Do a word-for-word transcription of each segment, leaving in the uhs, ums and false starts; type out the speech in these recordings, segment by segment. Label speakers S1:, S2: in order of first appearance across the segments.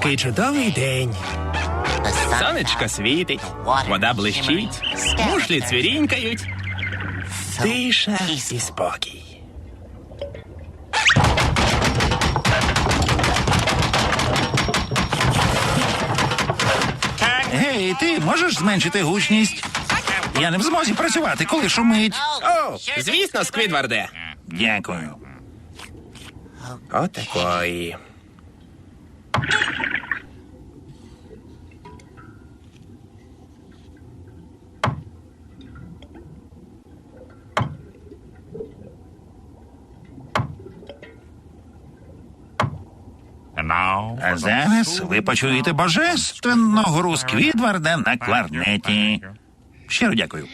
S1: Який чудовий день. Сонечко світить, вода блищить, мушлі цвірінькають. Тиша і спокій.
S2: Гей, ти можеш зменшити гучність? Я не в змозі працювати, коли шумить.
S1: О, звісно, Сквідварде.
S2: Дякую.
S1: Отакої.
S2: А зараз ви почуєте божественну гру Сквідварда на кларнеті. Щиро дякую.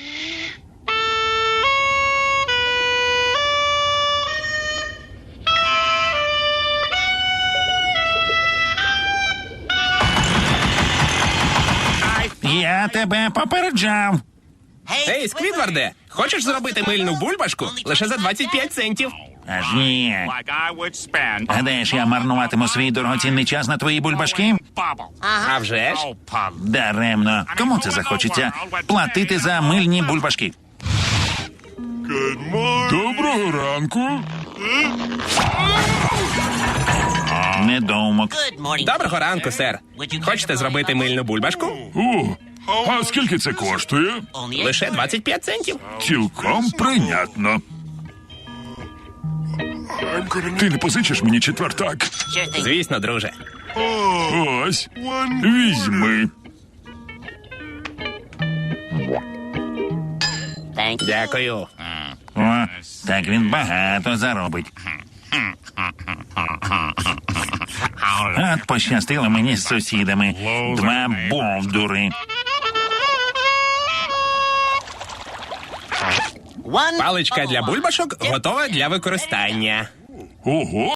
S2: Я тебе попереджав.
S1: Ей, Сквідварде, хочеш зробити мильну бульбашку? Лише за двадцять п'ять центів.
S2: Аж ні. Гадаєш, я марнуватиму свій дорогоцінний час на твої бульбашки?
S1: А вже ж.
S2: Даремно. Кому це захочеться? Платити за мильні бульбашки.
S3: Доброго ранку.
S2: Недоумок.
S1: Доброго ранку, сер. Хочете зробити мильну бульбашку?
S3: О, а скільки це коштує?
S1: Лише двадцять п'ять центів.
S3: Цілком прийнятно. Ти не позичиш мені четвертак?
S1: Звісно, друже.
S3: Ось, візьми.
S1: Дякую.
S2: О, так він багато заробить. От пощастило мені з сусідами. Два бовдури.
S1: Паличка для бульбашок готова для використання.
S3: Ого.